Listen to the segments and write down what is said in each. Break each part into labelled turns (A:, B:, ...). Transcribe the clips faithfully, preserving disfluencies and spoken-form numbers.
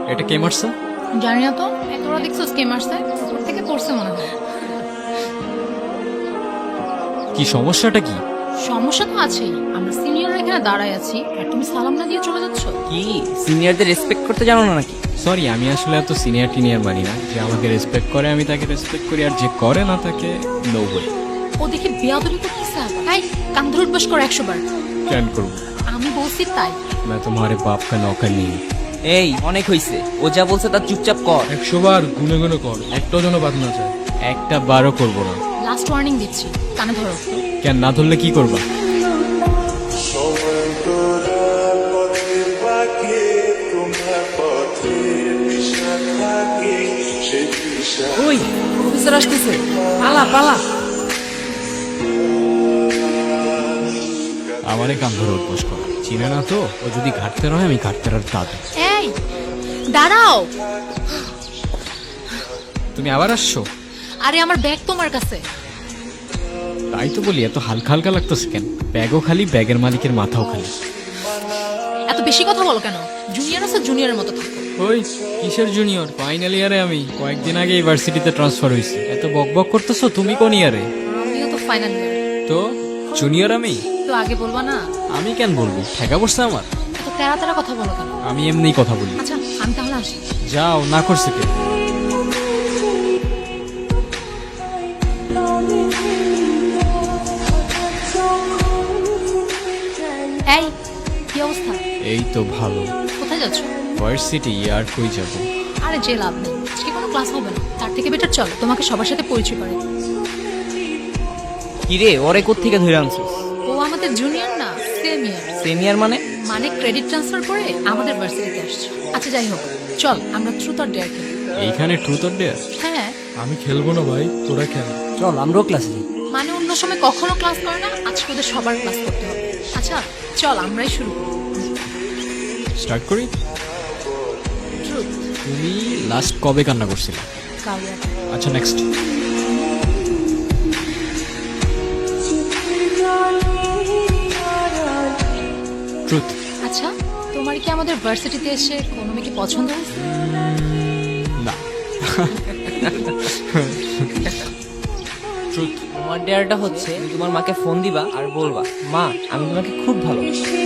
A: এটা কে মারছে?
B: জানি না তো, তোরা দেখছিস কে মারছে? উপর থেকে পড়ছে মনে হয়।
A: কি সমস্যাটা কি?
B: সমস্যা তো আছেই, আমরা সিনিয়ররা এখানে দাঁড়ায় আছি আর তুমি সালাম না দিয়ে চলে যাচ্ছ।
C: কি সিনিয়রদের রেসপেক্ট করতে জানো না নাকি?
A: সরি, আমি আসলে এত সিনিয়র টিনিয়র মানি না। যে আমাকে রেসপেক্ট করে আমি তাকে রেসপেক্ট করি, আর যে করে না তাকে নো ওয়ে।
B: ও দেখে বেয়াদবি করতেছে। তাই কান ধরে উঠবাস করো একশো বার।
A: কেন করবো?
B: আমি বলছি তাই।
A: मैं तुम्हारे बाप का नौकर नहीं।
C: এই অনেক হইছে, ও যা বলছে তার চুপচাপ কর।
D: একশো বার গুনে গুনে কর, একটাও যেন বাদ না যায়।
A: একটা বারও করবো না।
B: লাস্ট ওয়ার্নিং দিচ্ছি, কানে ধরো।
A: কেন না ধরলে কি করবা?
C: ওই প্রফেসর আসতেছে, পালা পালা।
A: আমারে কান ধরে উঠবোস কর, চিনে না তো? ও যদি ঘাটতে রয় আমি ঘাটতে আর দাদু।
B: এই দাঁড়াও।
A: তুমি আবার আসছো?
B: আরে আমার ব্যাগ তোমার কাছে।
A: তাই তো বলি, এত হালকা হালকা লাগতেছে কেন? ব্যাগও খালি, ব্যাগের মালিকের মাথাও খালি।
B: এত বেশি কথা বলো কেন? জুনিয়র আছে, জুনিয়রের মতো থাকো।
A: ওই কিসের জুনিয়র? ফাইনাল ইয়ারে আমি, কয়েকদিন আগে ইউনিভার্সিটিতে ট্রান্সফার হয়েছি। এত বক বক করতেছো, তুমি কোন ইয়ারে?
B: আমিও তো ফাইনাল ইয়ার।
A: তো জুনিয়র আমি?
B: তো আগে বলবা না?
A: আমি কেন বলবো? ঠেকা পড়ছে আমার।
B: এত তেরা তেরা কথা বলো কেন?
A: আমি এমনিই কথা বলি।
B: আচ্ছা আমি তাহলে আসি।
A: যাও, না করছে কে?
B: এই কি অবস্থা?
A: এই তো ভালো।
B: কোথায় যাচ্ছ?
A: ভার্সিটি। আর কই যাব?
B: আরে যে লাভ নেই, আজকে কোনো ক্লাস হবে না। তার থেকে বেটার চল তোমাকে সবার সাথে পরিচয় করে।
C: কি রে, ওরে কোত্থেকে ধরে আনছিস?
B: ও আমাদের জুনিয়র না, সিনিয়র।
C: সিনিয়র মানে?
B: মানে ক্রেডিট ট্রান্সফার করে আমাদের ভার্সিটিতে আসছে। আচ্ছা যাই হোক, চল আমরা ট্রুথ অর ডেয়ার খেলি।
A: এইখানে ট্রুথ অর ডেয়ার?
B: হ্যাঁ
D: আমি খেলবো না ভাই, তোরা খেল।
C: চল আমরাও ক্লাসে যাই।
B: মানে অন্য সময় কখনো ক্লাস করে না, আজকে ওদের সবার ক্লাস করতে হবে। আচ্ছা চল আমরাই শুরু করি।
A: স্টার্ট করি।
B: ট্রুথ।
A: তুমি লাস্ট কবে কান্না করছিলে?
B: কাল রাতে।
A: আচ্ছা নেক্সট। ট্রুথ।
B: আচ্ছা তোমার কি আমাদের ভার্সিটিতে এসে কোনো মেয়েকে পছন্দ হয়েছে?
A: না। ট্রুথ।
C: তোমার ডেয়ারটা হচ্ছে তুমি তোমার মাকে ফোন দিবা আর বলবা, মা আমি তোমাকে খুব ভালো।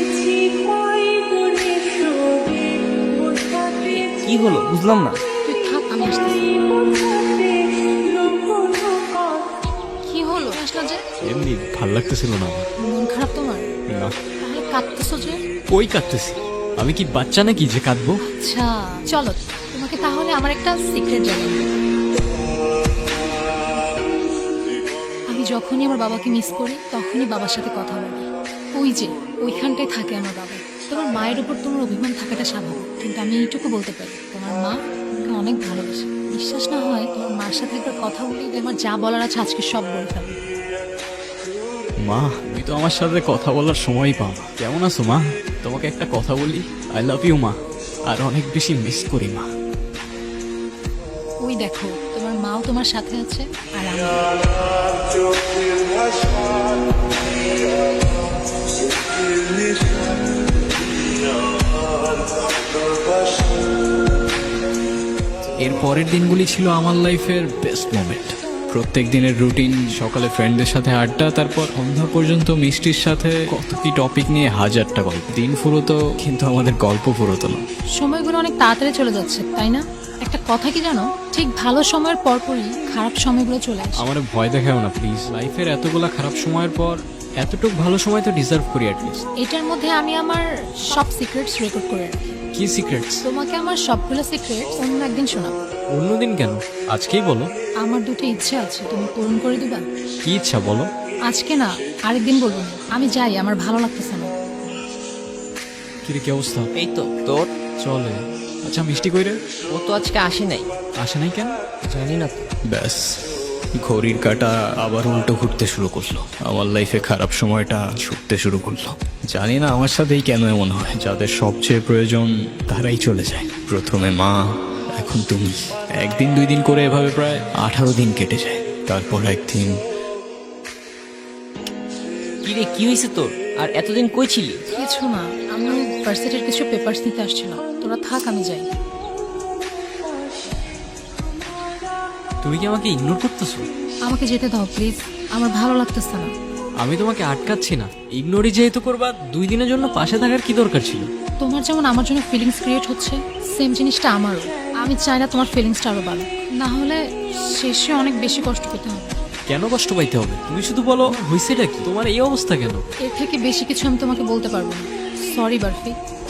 C: কি হলো বুঝলাম না।
B: তুই থাক, আমি আসতেছি। কি হলো আসলা যে?
A: এমনি ভাল লাগতেছিল না আমার।
B: মন খারাপ তোমার?
A: না।
B: তাহলে কাঁদতেছো যে?
A: কই কাঁদতেছি? আমি কি বাচ্চা নাকি যে কাঁদবো?
B: আচ্ছা চলো তোমাকে তাহলে আমার একটা সিক্রেট জানাই। আমি যখনই আমার বাবাকে মিস করি তখনই বাবার সাথে কথা বলি। ওই যে ওইখানটায় থাকে আমার বাবা। তোমার মায়ের উপর তোমার অভিমান থাকাটা স্বাভাবিক, কিন্তু আমি এইটুকু বলতে পারি তোমার মা তোমাকে অনেক ভালোবাসে। বিশ্বাস না হয় তোমার মার সাথে একবার কথা বলি, আমার যা বলার আছে আজকে সব বলে ফেলবে।
A: মা, তুমি তো আমার সাথে কথা বলার সময়ই পাও না। কেমন আছো মা? তোমাকে একটা কথা বলি, আই লাভ ইউ মা, আর অনেক বেশি মিস করি মা।
B: ওই দেখো তোমার মাও তোমার সাথে আছে আর আমি।
A: এর পরের দিনগুলি ছিল আমার লাইফের বেস্ট মোমেন্ট। প্রত্যেক দিনের রুটিন, সকালে ফ্রেন্ডদের সাথে আড্ডা, তারপর সন্ধ্যা পর্যন্ত মিষ্টির সাথে কত কি টপিক নিয়ে হাজারটা গল্প। দিন ফুরোতো কিন্তু আমাদের গল্প ফুরোতো না।
B: সময়গুলো অনেক তাড়াতাড়ি চলে যাচ্ছে তাই না? একটা কথা কি জানো, ঠিক ভালো সময়ের পরপরই খারাপ সময়গুলো চলে আসে।
A: আমার ভয় দেখাও না প্লিজ। লাইফের এতগুলা খারাপ সময়ের পর এতটুক ভালো সময় তো ডিজার্ভ করি অ্যাটলিস্ট।
B: এটার মধ্যে আমি আমার সব সিক্রেটস রেকর্ড করে রাখি।
A: কি সিক্রেটস?
B: তোমাকে আমার সবগুলো সিক্রেটস অন্য একদিন শোনাবো।
A: অন্যদিন কেন? আজকেই বলো।
B: আমার দুটো ইচ্ছা আছে, তুমি পূরণ করে দিবা?
A: কি ইচ্ছা বলো?
B: আজকে না, আরেকদিন বলবো না। আমি যাই, আমার ভালো লাগতেছে না।
A: কিরে কি অবস্থা?
C: এই তো তোর।
A: চলে। আচ্ছা মিষ্টি কইরে?
C: ও তো আজকে আসে নাই।
A: আসে নাই কেন?
C: জানি না তো।
A: ব্যাস, ঘড়ির কাঁটা আবার উল্টো ঘুরতে শুরু করলো। আমার লাইফে খারাপ সময়টা ছুটতে শুরু করলো। জানি না আমার সাথেই কেন এমন হয়। যাদের সবচেয়ে প্রয়োজন তারাই চলে যায়। প্রথমে মা, এখন তুমি। একদিন দুই দিন করে এভাবে প্রায় আঠারো দিন কেটে যায়। তারপর একদিন।
C: কি রে কি হয়েছে তোর? আর এতদিন কই ছিলি?
B: কিছু না, আমি ভার্সিটির কিছু পেপারস নিতে আসছিলাম। তোরা থাক, আমি যাই।
E: তুমি কি আমাকে ইগনোর করতেছো?
B: আমাকে যেতে দাও প্লিজ, আমার ভালো লাগতেছে না।
E: আমি তোমাকে আটকাচ্ছি না, ইগনোরই যেহেতু করবা, দুই দিনের জন্য পাশে থাকার কি দরকার ছিল?
B: তোমার যেমন আমার জন্য ফিলিংস ক্রিয়েট হচ্ছে, সেম জিনিসটা আমারও। আমি চাই না তোমার ফিলিংসটা আরো বাড়ুক, না হলে শেষে অনেক বেশি কষ্ট পেতে হবে।
E: কেন কষ্ট পাইতে হবে? তুমি শুধু বলো হয়েছেটা কি, তোমার এই অবস্থা কেন?
B: এর থেকে বেশি কিছু আমি তোমাকে বলতে পারবো না। সরি বারফি।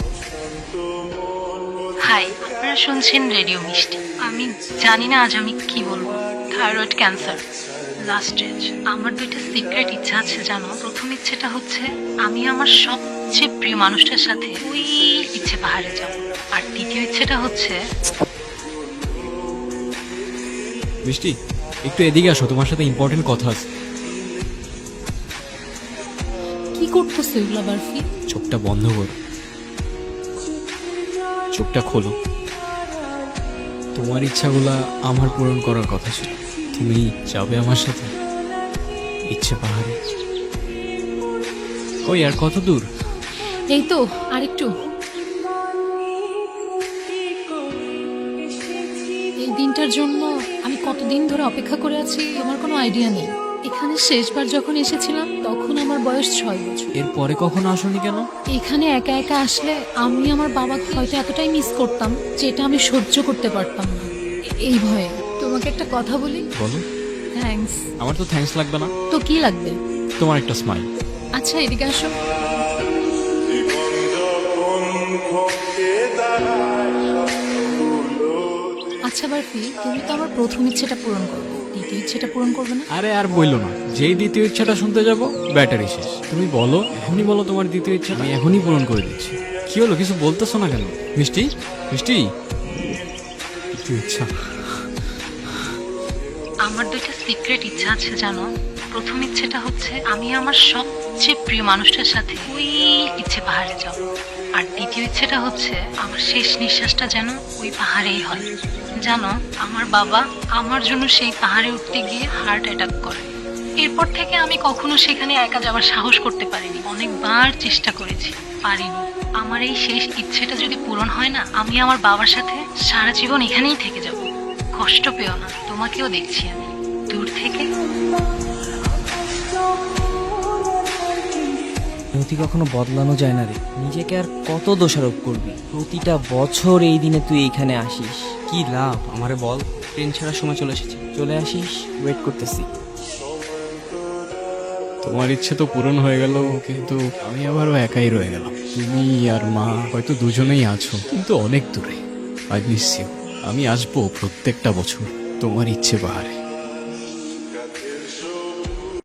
B: হাই, আপনারা শুনছেন রেডিও মিষ্টি। আমি জানি না আজ আমি কি বলবো। Thyroid cancer last stage. আমার দুইটা সিক্রেট ইচ্ছা আছে জানো। প্রথম ইচ্ছেটা হচ্ছে আমি আমার সবচেয়ে প্রিয় মানুষটার সাথে ওই ইচ্ছে পাহাড়ে যাব। আর দ্বিতীয় ইচ্ছেটা হচ্ছে
E: মিষ্টি, একটু এদিকে আসো, তোমার সাথে ইম্পর্টেন্ট কথা আছে।
B: কি করতেছে এগুলা বারফি?
E: চোখটা বন্ধ করো, চোখটা খোলো। তোমার ইচ্ছাগুলা আমার পূরণ করার কথা ছিল। তুমি যাবে আমার সাথে ইচ্ছে পাহাড়ে? ওই আর কত দূর?
B: এই তো আরেকটু। এই দিনটার জন্য আমি কতদিন ধরে অপেক্ষা করে আছি আমার কোনো আইডিয়া নেই। এখানে শেষবার যখন এসেছিলাম তখন আমার বয়স ছয় বছর।
E: এরপরে কখনো আসোনি কেন?
B: এখানে একা একা আসলে আমি আমার বাবাকে হয়তো এতটাই মিস করতাম যেটা আমি সহ্য করতে পারতাম না। এ- এই ভয়ে তোমাকে একটা কথা বলি।
E: বলো।
B: থ্যাঙ্কস।
E: আমার তো থ্যাঙ্কস লাগবে না,
B: তো কি লাগবে?
E: তোমার একটা স্মাইল।
B: আচ্ছা এদিকে আসো। আচ্ছা বারফি, তুমি তো আমার প্রথম ইচ্ছেটা পূরণ করবে, দ্বিতীয় ইচ্ছেটা পূরণ করবে না?
E: আরে আর বইলো না, যেই দ্বিতীয় ইচ্ছাটা শুনতে যাব ব্যাটারি শেষ। তুমি বলো, এখনই বলো তোমার দ্বিতীয় ইচ্ছা, আমি এখনই পূরণ করে দিচ্ছি। কি হলো, কিছু বলতেছো না কেন? মিষ্টি, মিষ্টি, দ্বিতীয় ইচ্ছা।
B: আমার দুইটা সিক্রেট ইচ্ছা আছে জানো। প্রথম ইচ্ছেটা হচ্ছে আমি আমার সবচেয়ে প্রিয় মানুষটার সাথে ওই ইচ্ছে পাহাড়ে যাব। আর দ্বিতীয় ইচ্ছেটা হচ্ছে আমার শেষ নিঃশ্বাসটা যেন ওই পাহাড়েই হয়। জানো, আমার বাবা আমার জন্য সেই পাহাড়ে উঠতে গিয়ে হার্ট অ্যাটাক করে। এরপর থেকে আমি কখনো সেখানে একা যাওয়ার সাহস করতে পারিনি। অনেকবার চেষ্টা করেছি, পারিনি। আমার এই শেষ ইচ্ছেটা যদি পূরণ হয় না, আমি আমার বাবার সাথে সারা জীবন এখানেই থেকে যাব। কষ্ট পেও না, তোমাকেও দেখছি আমি দূর থেকে।
C: নথি কখনো বদলানো যায় না রে। নিজেকে আর কত দোষারোপ করবি? প্রতিটা বছর এই দিনে তুই এইখানে আসিস, কি লাভ? আমারে বল। ট্রেন ছাড়ার সময় চলে এসেছি, চলে আসিস, ওয়েট করতেছি।
A: তোমার ইচ্ছে তো পূরণ হয়ে গেল, কিন্তু আমি আবারও একাই রয়ে গেলাম। তুমি আর মা হয়তো দুজনেই আছো, কিন্তু অনেক দূরে। I miss you. আমি আসবো প্রত্যেকটা বছর তোমার ইচ্ছে পাহাড়ে।